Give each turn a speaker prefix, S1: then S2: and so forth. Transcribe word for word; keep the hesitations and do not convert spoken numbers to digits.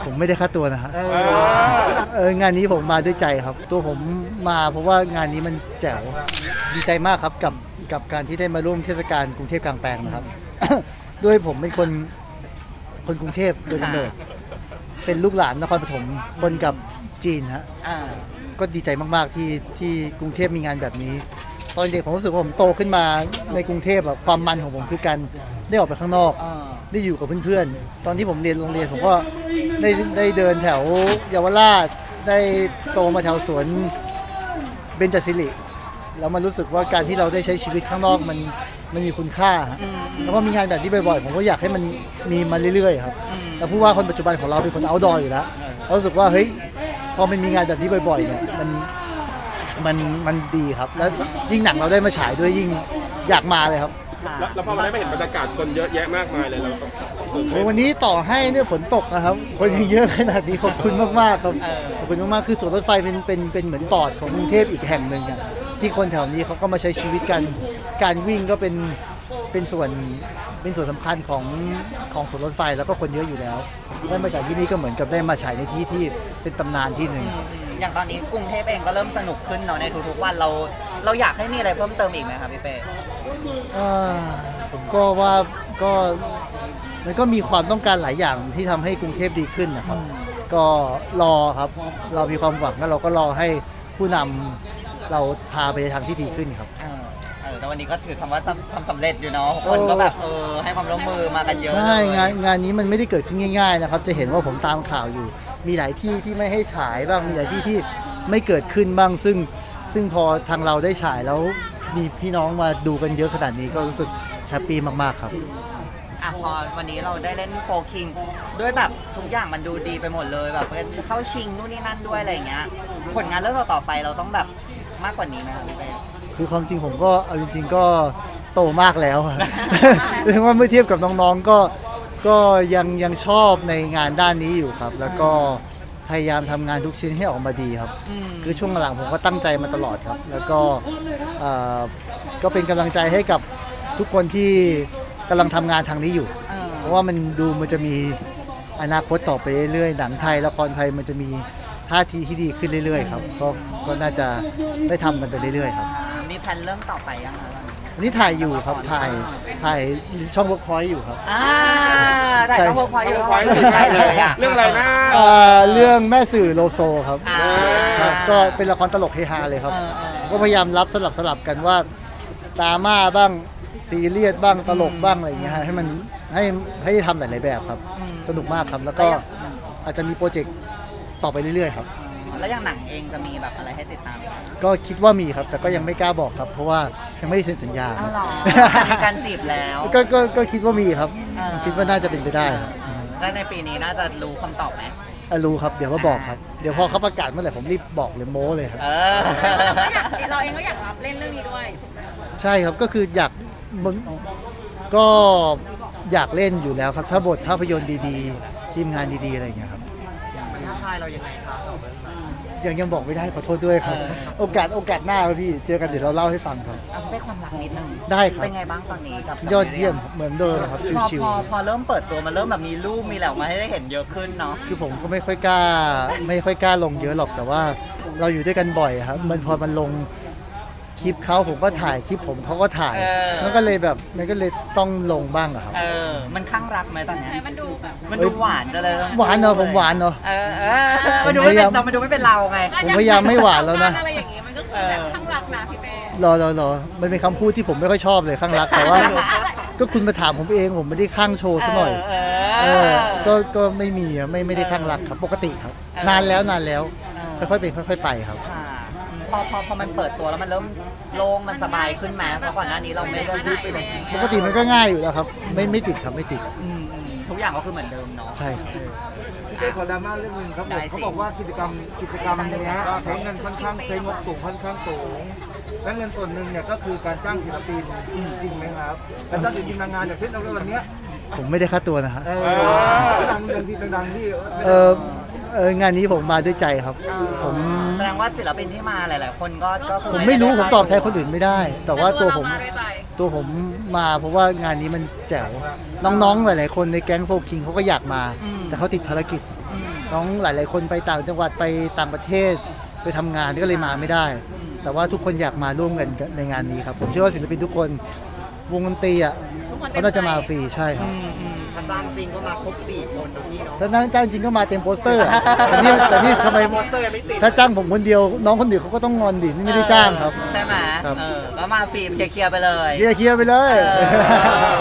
S1: ผมไม่ได้ค่าตัวนะฮะเอองานนี้ผมมาด้วยใจครับตัวผมมาเพราะว่างานนี้มันแจ๋วดีใจมากครับกับกับการที่ได้มาร่วมเทศกาลกรุงเทพกลางแปลงนะครับ ด้วยผมเป็นคนคนกรุงเทพโดยกำเนิดเป็นลูกหลานนครปฐมคนกับจีนฮะก็ดีใจมากๆที่ที่กรุงเทพมีงานแบบนี้ตอนเด็กผมรู้สึกว่าผมโตขึ้นมาในกรุงเทพแบบความมันของผมคือการได้ออกไปข้างนอกได้อยู่กับเพื่อนๆตอนที่ผมเรียนโรงเรียนผมก็ได้ได้เดินแถวเยาวราชได้โตมาแถวสวนเบญจศิริแล้วมันรู้สึกว่าการที่เราได้ใช้ชีวิตข้างนอกมันมันมีคุณค่าแล้วก็มีงานแบบนี้บ่อยๆผมก็อยากให้มันมีมาเรื่อยๆครับแล้วผู้ว่าคนปัจจุบันของเราเป็นคนเอาท์ดอร์อยู่แล้วเรารู้สึกว่าเฮ้ยพอมันมีงานแบบนี้บ่อยๆเนี่ยมันมันมันดีครับแล้วยิ่งหนังเราได้มาฉายด้วยยิ่งอยากมาเลยครับ
S2: แล้วพอมาได้มาเห็นบรรยากาศคนเยอะแยะมากมายเลยเรา
S1: วันนี้ต่อให้เนี่ยฝนตกนะครับคนยังเยอะขนาดนี้ขอบคุณมากๆครับขอบคุณมากๆคือสวนรถไฟเป็นเป็นเป็นเหมือนปอดของกรุงเทพอีกแห่งหนึ่งอ่ะที่คนแถวนี้เขาก็มาใช้ชีวิตกันการวิ่งก็เป็นเป็นส่วนเป็นส่วนสำคัญของของสวนรถไฟแล้วก็คนเยอะอยู่แล้วได้มาจากที่นี่ก็เหมือนกับได้มาฉายในที่ที่เป็นตำนานที่หนึ่ง
S3: อย่างตอนนี้กรุงเทพเองก็เริ่มสนุกขึ้นเนาะในทุกๆวันเราเราอยากให้มีอะไรเพิ่มเติมอีกไหมครับพี่เป้
S1: ผมก็ว่าก็มันก็มีความต้องการหลายอย่างที่ทำให้กรุงเทพดีขึ้นนะครับก็รอครับเรามีความหวังแล้วเราก็รอให้ผู้นำเราพาไปในทางที่ดีขึ้นครับ
S3: แต่วันนี้ก็ถือคำว่าทำสำเร็จอยู่เนาะคนก็แบบเออให้ความร่วมมือมากันเยอะ
S1: ใช่งานงานนี้มันไม่ได้เกิดขึ้นง่ายๆนะครับจะเห็นว่าผมตามข่าวอยู่มีหลายที่ที่ไม่ให้ฉายบ้างมีหลายที่ที่ไม่เกิดขึ้นบ้างซึ่งซึ่งพอทางเราได้ฉายแล้วมีพี่น้องมาดูกันเยอะขนาดนี้ก็รู้สึกแฮปปี้มากๆครับ
S3: อ่ะพอวันนี้เราได้เล่นโฟร์คิงด้วยแบบทุกอย่างมันดูดีไปหมดเลยแบบเข้าชิงนู่นนี่นั่นด้วยอะไรอย่างเงี้ยผลงานเรื่องต่อไปเราต้องแบบมากกว่านี้ไหมครับพี่เป้
S1: คือความจริงผมก็เอาจริงๆก็โตมากแล้วเรียกว่าเมื่อเทียบกับน้องๆก็ก็ยังยังชอบในงานด้านนี้อยู่ครับแล้วก็พยายามทำงานทุกชิ้นให้ออกมาดีครับคือช่วงหลังผมก็ตั้งใจมาตลอดครับแล้วก็ก็เป็นกำลังใจให้กับทุกคนที่กำลังทำงานทางนี้อยู่เพราะว่ามันดูมันจะมีอนาคตต่อไปเรื่อยๆหนังไทยละครไทยมันจะมีท่าทีที่ดีขึ้นเรื่อยๆครับก็ก็น่าจะได้ทำกันไปเรื่อยๆครับ
S3: มีแผนเรื่องต่อไปยังคะ
S1: วันนี้ถ่ายอยู่ครับถ่ายถ่ายช่องเวิร์กพอยต์อยู่ครับ
S3: อ่าถ่ายช่องเวิร์กพอยต์อยู่ถ่ายเลยอ่ะ
S2: เรื่องอะไรนะ
S1: เรื่องแม่สื่อโลโซครับครับก็เป็นละครตลกเฮฮาเลยครับก็พยายามรับสลับสลับกันว่าดราม่าบ้างซีเรียสบ้างตลกบ้างอะไรอย่างเงี้ยให้มันให้ให้ทำหลายๆแบบครับสนุกมากครับแล้วก็อาจจะมีโปรเจกต์ต่อไปเรื่อยๆครับ
S3: แล้วอย่างหนังเองจะมีแบบอะไรให้ติดตามอีก
S1: ก็คิดว่ามีครับแต่ก็ยังไม่กล้าบอกครับเพราะว่ายังไม่ได้เซ็นสัญญา
S3: ครับมีการจีบแล้ว
S1: ก็ก็ก็คิดว่ามีครับคิดว่าน่าจะเป็นไปได้ครับ
S3: และในปีนี้น่าจะรู้คำตอบไหม
S1: รู้ครับเดี๋ยวมาบอกครับเดี๋ยวพอเขาประกาศเมื่อไหร่ผมรีบบอกเลยโม้เลยครับ
S4: เราเองก็อยากรับเล่นเรื่องนี้ด้วย
S1: ใช่ครับก็คืออยากก็อยากเล่นอยู่แล้วครับถ้าบทภาพยนตร์ดีๆทีมงานดีๆอะไรอย่างเงี้ยครับ
S3: มันท้าทายเรายังไงครับ
S1: ยังยังบอกไม่ได้ขอโทษด้วยครับโอกาสโอกาสหน้าครับพี่เจอกันเดี๋ยวเราเล่าให้ฟังครับ
S3: ได้ความรักนิดนึง
S1: ได้ครับ
S3: เป็นไงบ้างตอนนี้กับ
S1: ยอดเยี่ยมเหมือนเดิมครับชิว
S3: ๆพอพอเริ่มเปิดตัวมันเริ่มแบบมีรูปมีแหล่มาให้ได้เห็นเยอะขึ้นเนาะ
S1: คือผมก็ไม่ค่อยกล้าไม่ค่อยกล้าลงเยอะหรอกแต่ว่าเราอยู่ด้วยกันบ่อยครับมันพอมันลงคลิปเขาผมก็ถ่ายคลิปผมเขาก็ถ่ายมันก็เลยแบบมันก็เลยต้องลงบ้างอะครับ
S3: เออมันข้างรักไหมตอนนี้มันดูแบบมันดูหวานจะเลย
S1: หวานเนอะผมหวานเนอะ
S3: เออเออมันดูไม่เป็นเรามันดูไม่เป็นเราไง
S1: ผมพยายามไม่หวานแล้วนะ
S4: อะไรอย่างงี้มันก็คือแบบข้างรักนะพี่เป้
S1: รอรอรอมันเป็นคำพูดที่ผมไม่ค่อยชอบเลยข้างรักแต่ว่าก็คุณมาถามผมเองผมไม่ได้ข้างโชว์ซะหน่อยเออก็ก็ไม่มีไม่ไม่ได้ข้างรักครับปกติครับนานแล้วนานแล้วค่อยๆเป็นค่อยๆไปครับ
S3: พอพอพอมันเปิดตัวแล้วมันเริ่มโล่งมันสบายขึ้นไหมเพราะก่อนหน้านี้เราไม่ได้พูดไปเลย
S1: ปกติมันก็ง่ายอยู่แล้วครับไม่ไม่ติดครับไม่ติด
S3: ทุกอย่างก็คือเหมือนเดิมเนาะ
S1: ใช่ครับ
S5: พี่เป้ขอดราม่าเรื่องนึงครับผมเขาบอกว่ากิจกรรมกิจกรรมนี้ใช้เงินค่อนข้างใช้งบสูงค่อนข้างสูงและเงินส่วนหนึ่งเนี่ยก็คือการจ้างศิลปินจริงไหมครับการจ้างศิลปินนางงานอย่างเช่นเราวันนี้
S1: ผมไม่ได้ค่าตัวนะฮะ
S5: ดังดังที่ดังที่
S1: เออเอองานนี้ผมมาด้วยใจครับผม
S3: แสดงว่าศิลปินที่มาหลายๆคนก็ก็
S1: ผมไม่รู้ผมตอบแทนคนอื่นไม่ได้แต่ว่าตัวผมตัวผมมาเพราะว่างานนี้มันแจ๋วน้องๆหลายๆคนในแก๊งโฟร์คิงเขาก็อยากมาแต่เขาติดภารกิจน้องหลาย ๆ คนไปต่างจังหวัดไปต่างประเทศไปทำงานก็เลยมาไม่ได้ แต่ว่าทุกคนอยากมาร่วมกันในงานนี้ครับผมเชื่อว่าศิลปินทุกคนวงดนตรีอ่ะเขาน่าจะมาฟรีใช่ครับ
S3: ถ้าจ้างจริงก็มาครบสี่คนนะพี่เนาะ
S1: ถ้านั่งจ้างจริงก็มาเต็มโปสเตอร์อะแต่นี่แต่นี่ทำไมถ้าจ้างผมคนเดียวน้องคนอื่นเขาก็ต้องงอนดินี่ไม่ได้จ้างครับ
S3: ใช่ไหม
S1: ครับ
S3: เออก็มาฟรีเคลียร์ๆไปเลย
S1: เคลียร์ๆไปเลย
S3: เออ